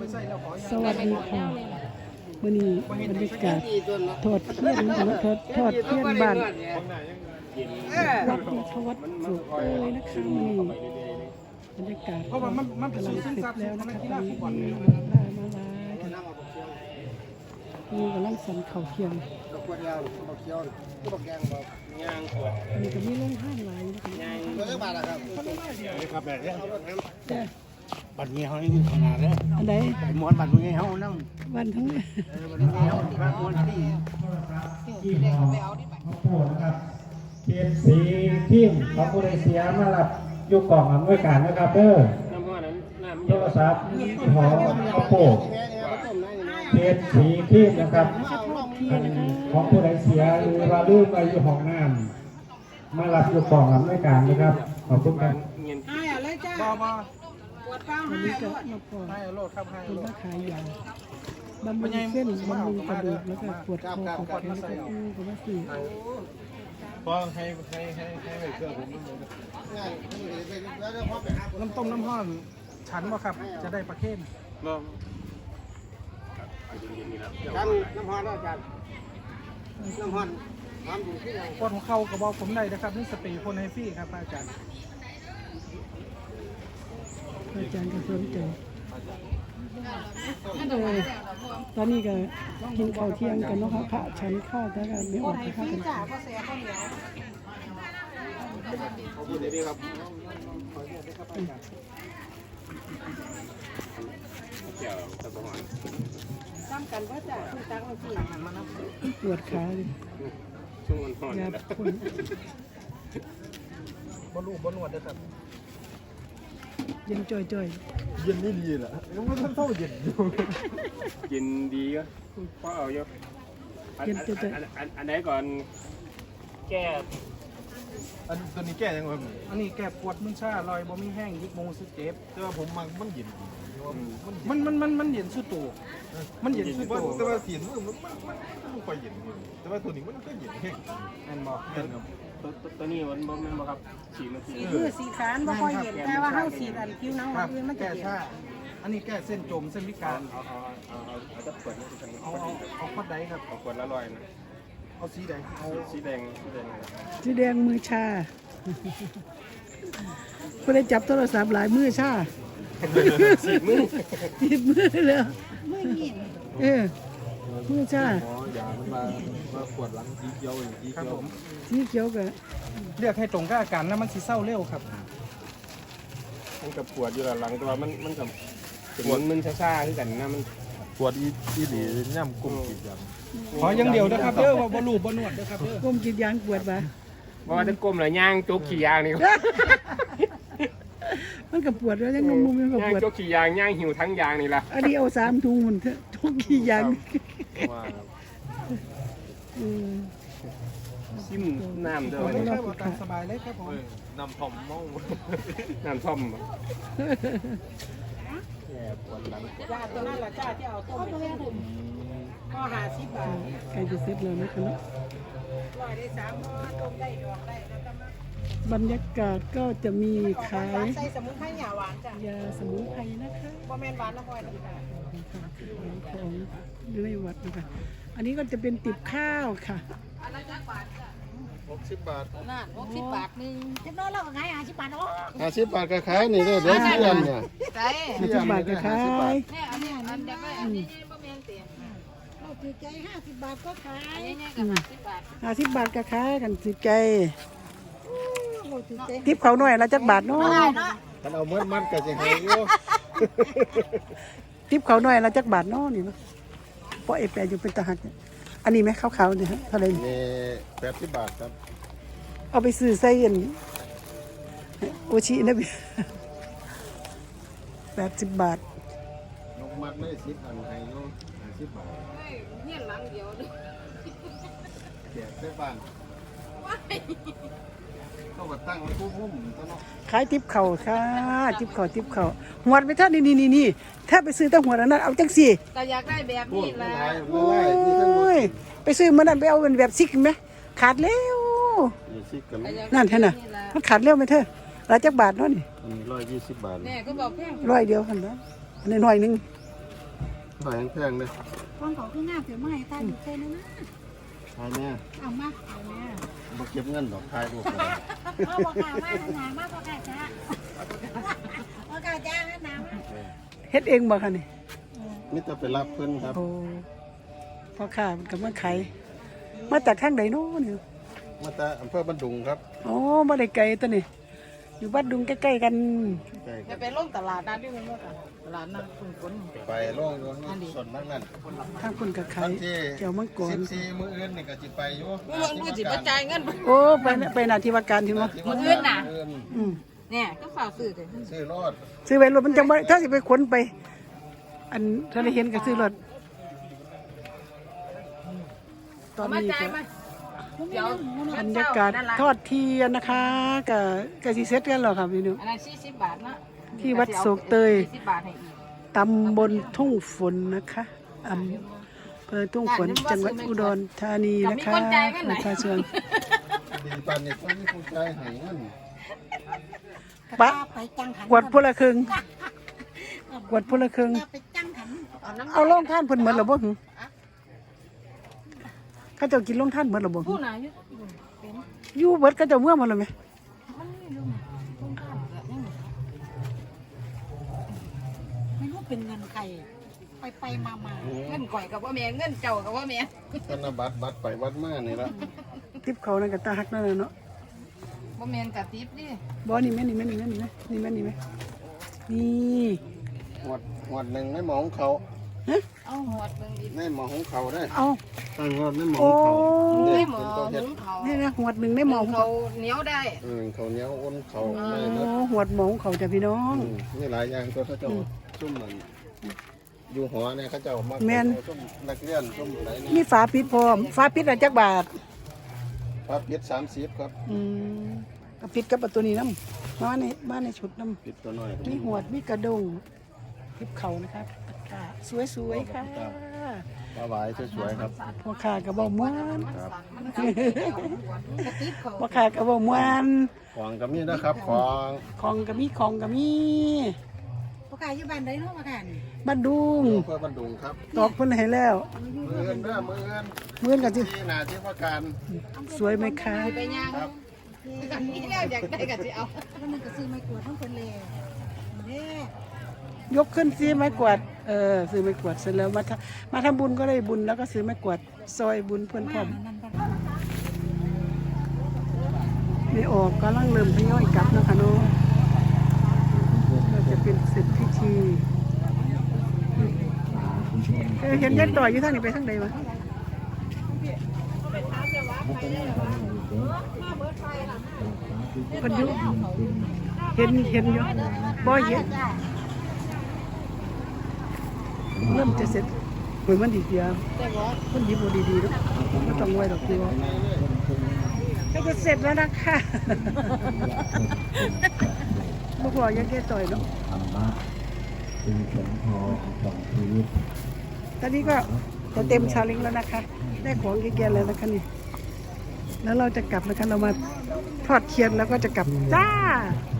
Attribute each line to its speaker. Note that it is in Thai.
Speaker 1: สวัสดีค่ะวันนี้บรรยากาศทอดเทียนทอดเทียนบ้านวัดราชวัฒน์สุขเลยนะคะนี่บรรยากาศกำลังเสร็จแล้วนะคะตอนนี้มาลายกันนี่กำลังสันเข่าเทียมนี่ก็มีโรงห้างหลายนะคะ
Speaker 2: บัตรเงี้ยเขานี่ขนาดเลย
Speaker 1: อันไหน
Speaker 2: ม้วนบัตรเงี้ยเขานั่ง
Speaker 1: วันทั้งนี้
Speaker 2: บัตรเงี้ยเขาม้วนที่
Speaker 3: ข้าวโพดนะครับเทียนสีทิมของผู้ใดเสียมารับยุกกล่องอำนวยการนะครับเด้อโทรศัพท์หอข้าวโพดเทียนสีทิมนะครับของผู้ใดเสียหรือว่าลืมไปอยู่ห้องน้ำมารับยุกกล่องอำนวยการนะครับขอบคุณครับ
Speaker 1: ให้อะไรจ้าปวดฟังให้ก็มาพอให้โลดครับให้โลดขายยาบำรุงเส้นบำรุงกระดูกแล้วก็ปวดคอปวดแขนแล้วก็ก็มาซื้อ
Speaker 4: พอให้ไปเครื่องผมน้ำต้มน้ำห้อนฉันบ่ครับจะได้ประเคนบ่
Speaker 2: กันน้ำฮอนอาจารย์น้ำฮอนทำอยู่ที่ไหน
Speaker 4: ปวดหัวเข่ากระบอกผมได้นะครับนี่สเปรย์พ่นให้ฟรีครับอาจารย์
Speaker 1: อาจารย์ก็สนใจตอนนี้ก็กินข้าวเที่ยงกันเนาะพระฉันข้าวแต่ก็ไม่ออกข้าวกัน
Speaker 2: ขอบคุณดีครับ
Speaker 1: จำกันว่าจะคุณตักมาสิปวดขาเลยยาพ่น
Speaker 4: บ่นวดได้ครับ
Speaker 1: เย็นจ่อย
Speaker 4: เย็นนี่ดีแหละยังไม่ทันเท่าเย็นอยู่
Speaker 2: เย็นดีก็พอเอาเยอะ
Speaker 1: เย็นจ่อย
Speaker 2: อันไหนก่อนแก้
Speaker 4: ตัวนี้แก้ยังไงอันนี้แก้ปวดมึนชาลอยบ่มีแห้งยิกโมสึเจ็บแต่ว่าผมมันเย็นมันเย็นสุดตัวมันเย็นสุดตัวแต่ว่าเสียงมันค่อยเย็นแต่ว่าตัวนี้มันก็เย็นแห้งแอนบอก
Speaker 2: ตัวนี้มันบ่ครับสีมัน
Speaker 1: สีขานบ่ค่อยเย็นแต่ว่าเฮาสีอันผิวหนังอื่นมันจะเย็น
Speaker 4: อันนี้แก้เส้นจมเส้นพิการ
Speaker 2: เอาจะขวด
Speaker 4: เอาขวดใดครับ
Speaker 2: เอาขวดละ100นะ
Speaker 4: เอาสีแดง
Speaker 2: เอาสีแดง
Speaker 1: มือชาผู้ได้จับโทรศัพท์หลายมือชา
Speaker 2: สีมือ
Speaker 1: เลยมือหินมือชา
Speaker 4: อย่ามันมาขวดหลังสีเขียว
Speaker 1: ครับผมสีเขียวก็
Speaker 4: เรียกให้ตรงกับอาการนะมันสีเศร้าเร็วครับ
Speaker 2: มันกับปวดอยู่หลังตัวมันกับปวดมันซ่าๆที่กันนะมัน
Speaker 4: ปวดอีหลีย่ำกุ้งกินยางขอยังเดียวนะครับเด้อว่าบ่รูปบ่นวดเด้อครับเด้อ
Speaker 1: ก้มกินยางปวดปะ
Speaker 2: ว่าจะก้มหรือย่างจุกขี่ยางนี่
Speaker 1: มันกับปวดแล้วยังงงมันกับปวด
Speaker 2: จุกขี่ยางย่างหิวทั้งยางนี่ละ
Speaker 1: อันนี้เอา3 ถุงมันจุกขี่ยาง
Speaker 2: ซิมน้ำเด้อ
Speaker 4: ตามสบายเลยครับผมน้ำท่อมเมา
Speaker 2: น้ำท่อม
Speaker 1: จ้าตัวนั้นแหละจ้าที่เอาต้มไปถุงก็50 บาทใครจะเซ็ตเลยนะคะเนาะ100ได้3ห่อต้มได้ดอกได้แล้วก็บรรยากาศก็จะมีขายใส่สมุนไพรหยาหวานจ้ะยาสมุนไพรนะคะ
Speaker 5: บ่แม่นหวานนะพ่อยนะคะ
Speaker 1: ของอยู่ในวัดนะคะอันนี้ก็จะเป็นติบข้าวค่ะ
Speaker 5: อันละจักบาทจ้ะ
Speaker 4: 60 บาท
Speaker 5: นั่น60 บาทนึงเจ็บน้อยเราก็ขาย50 บาทเนาะ
Speaker 4: 50 บาทก็ขายนี่เด้อเสียนเนี่ย
Speaker 5: ใช่
Speaker 1: 50 บาทก็ขาย
Speaker 5: เนี่ยอันนี้อันเดียวกันอันนี้บ่แม่นเต็ม
Speaker 1: เราถือใจ50 บาทก็ขาย
Speaker 5: อันนี้ก็50 บาท
Speaker 1: 50 บาทก็ขายกันถือใจทิปเขาหน่อยละจักบาทเนาะ
Speaker 4: กันเอามันก็จะให้อยู่
Speaker 1: ทิปเขาหน่อยละจักบาทเนาะนี่เนาะเพราะไอ้แปรอยู่เป็นทหารอันนี้ไหมขาวๆเนี่ยเท่าไหร่
Speaker 4: นี่80 บาทครับ
Speaker 1: เอาไปซื้อไส้เย็นโอชินะพี่80 บาท
Speaker 4: นกมัดไม่10อันให้อยู่50 บาท
Speaker 5: เนี่ยหลังเดียว
Speaker 4: แจกได้บ้านเขาก็ตั้งผู้หุ้มตลอด
Speaker 1: ขายทิปเขาค่ะทิปเขาหัวไปท่านนี่ถ้าไปซื้อตั้งหัวนั้นเอาจังสี่
Speaker 5: ก็อยากได้แบบนี้แหละ
Speaker 1: โอ้ยไปซื้อมันนั่นไปเอาเป็นแบบซิกไหมขาดแล้วนั่นแท่น่ะมันขาดเร็วไหมเธอ100 จักบาทเนาะนี่
Speaker 4: 120 บาท
Speaker 5: แม่ก็บอกแพง
Speaker 1: 100 เดียวกันเนาะอันนี้100 นึง
Speaker 2: หน่อยแพงเลย
Speaker 5: ของเขาคืองามเสียไม่ตาอยู่เต้นนะ
Speaker 2: ทายแม่
Speaker 5: เอามาเอาแม่
Speaker 2: บ่เก็บเงินดอกทายลูกเลย
Speaker 5: เอาบอกกล้ามาหนามาบอกกล้าจ้าบอกกล้าจ้าหนามา
Speaker 1: เฮ็ดเองบ่คะนี่
Speaker 2: มิจะไปรับเพิ่นครับ
Speaker 1: โอ้พ่อค้ามันก็มาขายมาจากทางใดโน้นี่
Speaker 2: มาจากอำเภอบันดุงครับ
Speaker 1: โอ้บ่ได้ไกลตัวนี่อยู่บ้านดุงใกล้ๆกัน
Speaker 2: ใกล้
Speaker 5: จะไปลงตลาดนัดด้วยมั้งตลาดนัดคุณฝน
Speaker 2: ไปโล่งอยู่นี่ส่วนนั้นนั่น
Speaker 1: ทางคนก็ขายเจียวมังกร
Speaker 2: 14มื้ออื่นนี่ก็สิไปอยู่
Speaker 5: มึงกูจิมาจ่ายเงิน
Speaker 1: โอ้ไปหน้าที่ว่าการที่ว่า
Speaker 5: มื้ออื่นน่ะ
Speaker 1: อืม
Speaker 5: เนี่ยก็ฝ่าซื้อเลย
Speaker 2: ซื้อรถ
Speaker 1: ซื้อไว้รถมันจังบ่ถ้าสิไปขนไป อันถ้าได้เห็นก็ซื้อรถตอนนี้ก็
Speaker 5: เดี๋ยว
Speaker 1: บรรยากาศทอดเทียนนะคะก็สิเสร็จกันแล้วครับพี่นุ
Speaker 5: อันนั้น40 บาทนะ
Speaker 1: ที่วัดโศกเตย
Speaker 5: 20 บาทให้อีก
Speaker 1: ตำบลทุ่งฝนนะคะอำเภอทุ่งฝนจังหวัดอุดรธานีนะคะประชาชน
Speaker 2: ดีปานนี้ต้องมีผู้ใจให้เงิน
Speaker 1: ปะ
Speaker 5: ไปจังหัน
Speaker 1: กวดพละครึ่งกวดพละครึ่ง
Speaker 5: ไปจังหันเอาน้ำ
Speaker 1: เอาลงท่านเพิ่นหมดแล้วบ่หึเขาเจ้ากินลงท่านหมดแล้วบ่หึ
Speaker 5: ผู้น่ะอยู่เป็น
Speaker 1: อยู่เบิดเขาเจ้าเมื่อหมดแล้วไหม
Speaker 5: มันไม่รู้นะต้องข้ามแบบนี้ไม่รู้เป็นเงินใครไปมาเงินก่อยกับว่าแม่เงินเจ้ากับว่าแม่
Speaker 2: ธนบัตรไปวัดมานี่ละ
Speaker 1: ทิปเขานั่นก็ตาฮักนั่นน่ะเนาะ
Speaker 5: ว่าแม่กับติ๊บดิ
Speaker 1: บ่นี่แม่นี่แม่นี่แม่นี่แม่นี่แม่นี่แม่นี่
Speaker 2: หวดหนึ่งในหมอของเขา
Speaker 1: ฮะ
Speaker 5: เอาหอดเบิ่งดิ
Speaker 2: ในหมอของเขาได้
Speaker 1: เอา
Speaker 2: ตั้งหวดในหมอ
Speaker 1: โอ้
Speaker 2: ของเขา
Speaker 5: ไม่
Speaker 2: เด็ก
Speaker 5: หมอ
Speaker 2: เป็นตัวเฮ็ด
Speaker 5: หุงเขา
Speaker 1: นี่นะหวดหนึ่งได้หมอง
Speaker 5: เขาเหนียวได้
Speaker 2: เขาเหนี้ยวอ้นเขา
Speaker 1: โอ้
Speaker 2: ไม่เลิศ
Speaker 1: หวดหมองเขาจ้ะพี่น้อง
Speaker 2: นี่หลายอย่างตัวเขาเจ้าซุ่มมันอยู่หอเนี่ยเขาเจ้ามา
Speaker 1: แม่น
Speaker 2: ซุ่มนักเรียนซุ่มอะไรนี่
Speaker 1: มีฝาปิดพร้อมฝาปิดอะจักบาท
Speaker 2: พระปิด30ครับ
Speaker 1: ก็ปิดกับประตูนี้น้ำมาในชุดน้
Speaker 2: ปิดตัวน้อย
Speaker 1: ำมีหวดมีกระดงทิปเขานะครับค่ะสวยๆค่ะ
Speaker 2: ปลาหวายสวยๆครับ
Speaker 1: พ่อค้าก็บ่ม่วน
Speaker 2: ครับ
Speaker 5: กระติ๊บเขา
Speaker 1: พ่อค้าก็บ่ม่วน
Speaker 2: ของก็มีนะครับของ
Speaker 1: ของก็มี
Speaker 5: พวกกายอยู่บ้านใดเนาะพวกกายนี่
Speaker 1: บ้านดุง
Speaker 2: เพื่อบันดุงครับ
Speaker 1: ตอกเพิ่นให้แล้ว
Speaker 2: มือเงินเด้อมือเงิน
Speaker 1: เมื่อนกันสิ
Speaker 2: ที่นาที่ว่าการ
Speaker 1: สวยไหมคะ
Speaker 5: ไปย่าง
Speaker 2: ครับ
Speaker 5: กันนี้แล้วอยากได้ก็สิเอาแล้วมันก็ซื้อไม้กวาดทั้งคนเลยนี่
Speaker 1: ยกขึ้นสิไม้กวาดซื้อไม้กวาดเสร็จแล้วมาทำบุญก็ได้บุญแล้วก็ซื้อไม้กวาดซอยบุญเพื่อนพร้อม
Speaker 5: นั่นก็
Speaker 1: ไม่ออกก็ลังเริ่มทยอยกลับนะคะเนาะเราจะเป็นเสร็จพิธีเห็นยันต่อยอยู่ทางนี้ไปทางใดวะคนอยู่เห็นอยู่บ่เห็นเริ่มจะเสร็จเหมือนมันดีเดียวคนหยิบบ่ดีๆแล้วไม่ต้องไว้ดอกคือว่าก็จะเสร็จแล้วนะคะบ่พอยังแค่ต่อยเนาะ
Speaker 3: ธรรมะเป็นสมทองของชีวิต
Speaker 1: ตอนนี้ก็จะเต็มชาลิงแล้วนะคะ ได้ของแก่ๆแล้วนะคะนี่แล้วเราจะกลับนะคะเรามาทอดเทียนแล้วก็จะกลับจ้า